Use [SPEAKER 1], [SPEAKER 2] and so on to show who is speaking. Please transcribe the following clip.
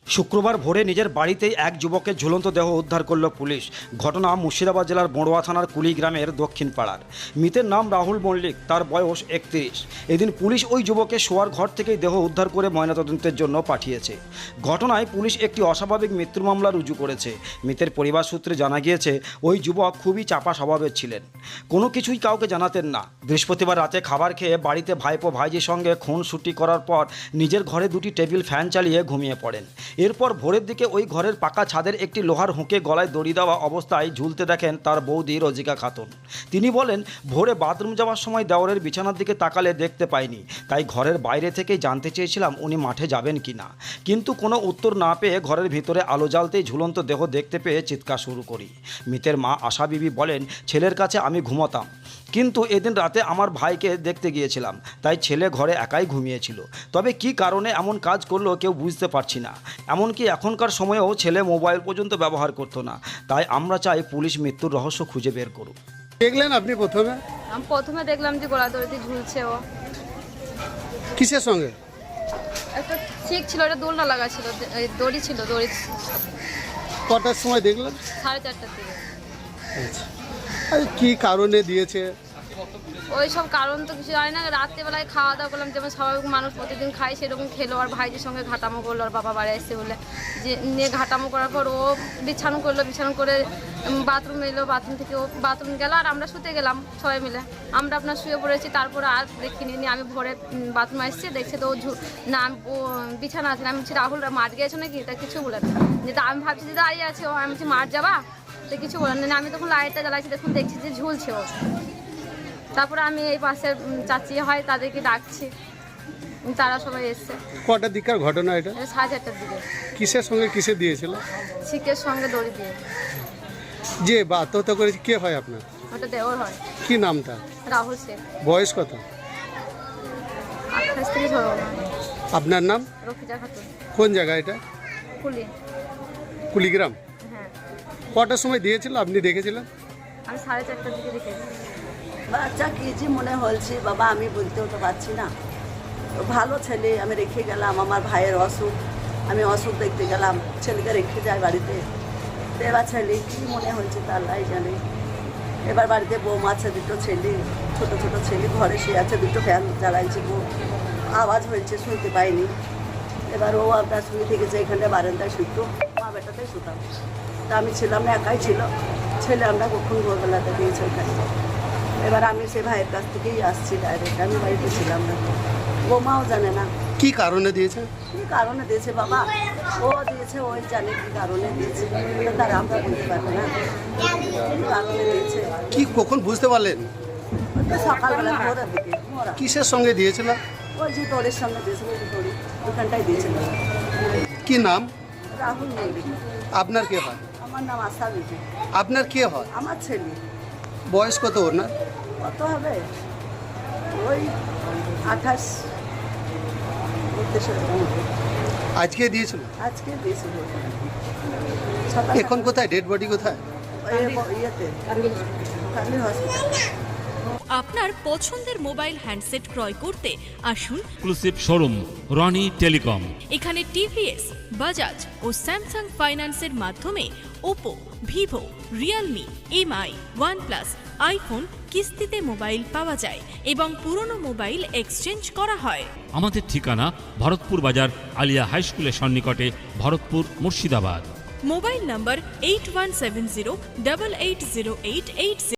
[SPEAKER 1] শুক্রবার ভোরে নিজের বাড়িতেই এক যুবকের ঝুলন্ত দেহ উদ্ধার করল পুলিশ। ঘটনা মুর্শিদাবাদ জেলার বড়ুয়া থানার কুলি গ্রামের দক্ষিণ পাড়ার। মৃতের নাম রাহুল মল্লিক, তার বয়স 31। এদিন পুলিশ ওই যুবকের শোয়ার ঘর থেকেই দেহ উদ্ধার করে ময়নাতদন্তের জন্য পাঠিয়েছে। ঘটনায় পুলিশ একটি অস্বাভাবিক মৃত্যুর মামলা রুজু করেছে। মৃতের পরিবার সূত্রে জানা গিয়েছে ওই যুবক খুবই চাপা স্বভাবের ছিলেন, কোনো কিছুই কাউকে জানাতেন না। বৃহস্পতিবার রাতে খাবার খেয়ে বাড়িতে ভাইপো ভাইজির সঙ্গে খুনসুটি করার পর নিজের ঘরে দুটি টেবিল ফ্যান চালিয়ে ঘুমিয়ে পড়েন। এরপর ভোরের দিকে ওই ঘরের পাকা ছাদের একটি লোহার হুঁকে গলায় দড়ি দেওয়া অবস্থায় ঝুলতে দেখেন তার বৌদি রজিকা খাতুন। তিনি বলেন, ভোরে বাথরুম যাওয়ার সময় দেওরের বিছানার দিকে তাকালে দেখতে পাইনি, তাই ঘরের বাইরে থেকেই জানতে চেয়েছিলাম উনি মাঠে যাবেন কি না, কিন্তু কোনো উত্তর না পেয়ে ঘরের ভিতরে আলো জ্বালতেই ঝুলন্ত দেহ দেখতে পেয়ে চিৎকার শুরু করি। মৃতের মা আশা বিবি বলেন, ছেলের কাছে আমি ঘুমাতাম, কিন্তু এদিন রাতে আমার ভাইকে দেখতে গিয়েছিলাম, তাই ছেলে ঘরে একাই ঘুমিয়েছিল। তবে কি কারণে এমন কাজ করলো কেউ বুঝতে পারছি না। এমনকি এখনকার সময়েও ছেলে মোবাইল পর্যন্ত ব্যবহার করতো না। তাই আমরা চাই পুলিশ মৃত্যুর রহস্য খুঁজে বের করুক।
[SPEAKER 2] দেখলেন আপনি প্রথমে?
[SPEAKER 3] আমি প্রথমে দেখলাম যে গলা দড়িতে ঝুলছে ও।
[SPEAKER 2] কিসের সঙ্গে?
[SPEAKER 3] একটা চিক ছিল, একটা দোলনা লাগা ছিল, দড়ি ছিল, দড়ি
[SPEAKER 2] কটার সময় দেখলেন?
[SPEAKER 3] 4:30টার দিকে।
[SPEAKER 2] আচ্ছা, আর কি কারণে দিয়েছে?
[SPEAKER 3] ওই সব কারণ তো কিছু জানি না। রাত্রেবেলায় খাওয়া দাওয়া করলাম, যেমন স্বাভাবিক মানুষ প্রতিদিন খায় সেরকম খেলো, আর ভাইজির সঙ্গে ঘাটামো করলো, আর বাবা বাড়ি আসছে বলে যে নিয়ে ঘাটামো করার পর ও বিছানো করলো, বিছানো করে বাথরুম এলো, বাথরুম থেকে ও বাথরুম গেল, আর আমরা শুতে গেলাম সবাই মিলে। আমরা আপনার শুয়ে পড়েছি, তারপরে আর দেখিনি। নিয়ে আমি ভোরে বাথরুমে আসছি, দেখছি তো না ও বিছানা আছে। আমি বলছি, রাহুল মাঠ গিয়েছো নাকি? তা কিছু বলে না। যেটা আমি ভাবছি যে দাঁড়িয়ে আছে ও, আমি বলছি মাঠ যাবা, তো কিছু বলেন না। আমি তখন লাইটটা জ্বালাইছি, দেখুন দেখছি যে ঝুলছে ও। তারপরে আমি এই পাশের চাচি হয় তাদেরকে ডাকছি, তারা সবাই এসছে।
[SPEAKER 2] কটার দিককার ঘটনা এটা?
[SPEAKER 3] 4:30টার দিকে।
[SPEAKER 2] কিসের সঙ্গে কিসে দিয়েছিল?
[SPEAKER 3] শিকের সঙ্গে দড়ি দিয়ে।
[SPEAKER 2] যে বা আত্মহত্যা করেছে কে হয় আপনার?
[SPEAKER 3] ওটা দেওর হয়।
[SPEAKER 2] কি নামটা?
[SPEAKER 3] রাহুল শেখ।
[SPEAKER 2] বয়স কত?
[SPEAKER 3] 28 থেকে ধরো না।
[SPEAKER 2] আপনার নাম?
[SPEAKER 3] রফিজা খাতুন।
[SPEAKER 2] কোন জায়গা এটা?
[SPEAKER 3] কুলি।
[SPEAKER 2] কুলিগ্রাম।
[SPEAKER 3] হ্যাঁ,
[SPEAKER 2] কটার সময় দিয়েছিল আপনি দেখেছিলেন?
[SPEAKER 3] আমি 4:30টার দিকে দেখেছি।
[SPEAKER 4] বাচ্চা কি যে মনে হয়েছে বাবা, আমি বলতেও তো পারছি না। তো ভালো ছেলে, আমি রেখে গেলাম। আমার ভাইয়ের অসুখ, আমি অসুখ দেখতে গেলাম, ছেলেকে রেখে যায় বাড়িতে। তো এবার ছেলে কী মনে হয়েছে তা আল্লাহই জানে। এবার বাড়িতে বৌমা আছে, দুটো ছেলে, ছোট ছোট ছেলে ঘরে শুয়ে আছে, দুটো ফ্যান জ্বালাইছে, আওয়াজ হয়েছে, শুনতে পাইনি। এবার ও আপনার শুয়ে থেকেছে এখানে বারান্দায় শুতো, মা বেটাতেই শুতাম। তা আমি ছিলাম না, একাই ছিল ছেলে। আমরা কখন ভোরবেলাতে দিয়েছি ওখানে। এবার আমি সে ভাইয়ের কাছ থেকেই আসছি ডাইরেক্ট, আমি বাড়িতে ছিলাম না। বৌমাও জানে না
[SPEAKER 2] কি কারণে দিয়েছে?
[SPEAKER 4] কী কারণে দিয়েছে বাবা, ও দিয়েছে, ওই জানে কী কারণে দিয়েছে, তারা আমরা বলতে পারবো না কী কারণে দিয়েছে।
[SPEAKER 2] কি কখন বুঝতে পারলেন?
[SPEAKER 4] ওই তো সকালবেলা ভোরের দিকে মোরা
[SPEAKER 2] কিসের সঙ্গে দিয়েছিল?
[SPEAKER 4] ওই যে দড়ির সঙ্গে দিয়েছিল, ওই যে দড়ি ওখানটাই দিয়েছিল।
[SPEAKER 2] কি নাম?
[SPEAKER 4] রাহুল মল্লিক।
[SPEAKER 2] আপনার কে হয়?
[SPEAKER 4] আমার নাম আশা বিবি।
[SPEAKER 2] আপনার কে হয়?
[SPEAKER 4] আমার ছেলে।
[SPEAKER 2] বয়স কত ওর? না
[SPEAKER 4] কত হবে, ওই 28
[SPEAKER 2] আজকে দিয়েছিল?
[SPEAKER 4] আজকে দিয়েছিল।
[SPEAKER 2] এখন কোথায় ডেড বডি কোথায়?
[SPEAKER 4] ইয়েতে কান্দি হসপিটাল।
[SPEAKER 5] আপনার পছন্দের মোবাইল হ্যান্ডসেট ক্রয় করতে আসুন
[SPEAKER 6] এক্সক্লুসিভ শোরুম রনি টেলিকম।
[SPEAKER 5] এখানে টিভিএস, বাজাজ ও স্যামসাং ফাইন্যান্সের মাধ্যমে Oppo, Vivo, Realme, M I, OnePlus, iPhone কিস্তিতে মোবাইল পাওয়া যায় এবং পুরনো মোবাইল এক্সচেঞ্জ করা হয়।
[SPEAKER 6] আমাদের ঠিকানা ভরতপুর বাজার আলিয়া হাই স্কুলের সন্নিকটে, ভরতপুর, মুর্শিদাবাদ।
[SPEAKER 5] মোবাইল নম্বর 8170880880।